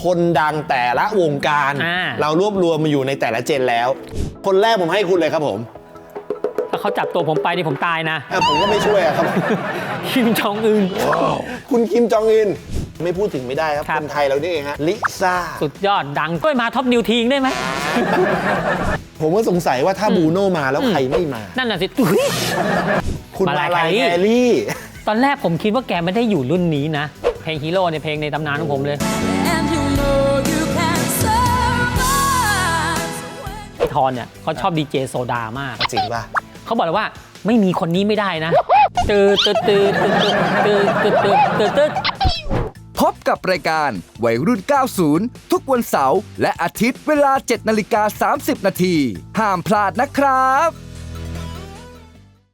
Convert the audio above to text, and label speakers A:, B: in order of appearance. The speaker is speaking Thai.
A: คนดังแต่ละวงการเรารวบรวมมาอยู่ในแต่ละเจนแล้วคนแรกผมให้คุณเลยครับผม
B: ถ้าเขาจับตัวผมไปนี่ผมตายนะ
A: ผมก็ไม่ช่วยครับ
B: คิมจองอึน
A: คุณคิมจองอึนไม่พูดถึงไม่ได้ครับคนไทยเรานี่เองฮะลิซ่า
B: สุดยอดดังช่วยมาท็อปนิวทีงได้ไหม
A: ผมก็สงสัยว่าถ้าบูโน่มาแล้วใครไม่มา
B: นั่นน่ะสิ
A: คุณมาลายแครี่
B: ตอนแรกผมคิดว่าแกไม่ได้อยู่รุ่นนี้นะเพลงฮีโร่ในเพลงในตำนานของผมเลยพี่ทอนเนี่ยเขาชอบดีเจโซดามาก
A: จริงป่ะ
B: เขาบอกเลยว่าไม่มีคนนี้ไม่ได้นะตื่น
C: พบกับรายการวัยรุ่น 90 ทุกวันเสาร์และอาทิตย์เวลา 7:30 น.ห้ามพลาดนะครับ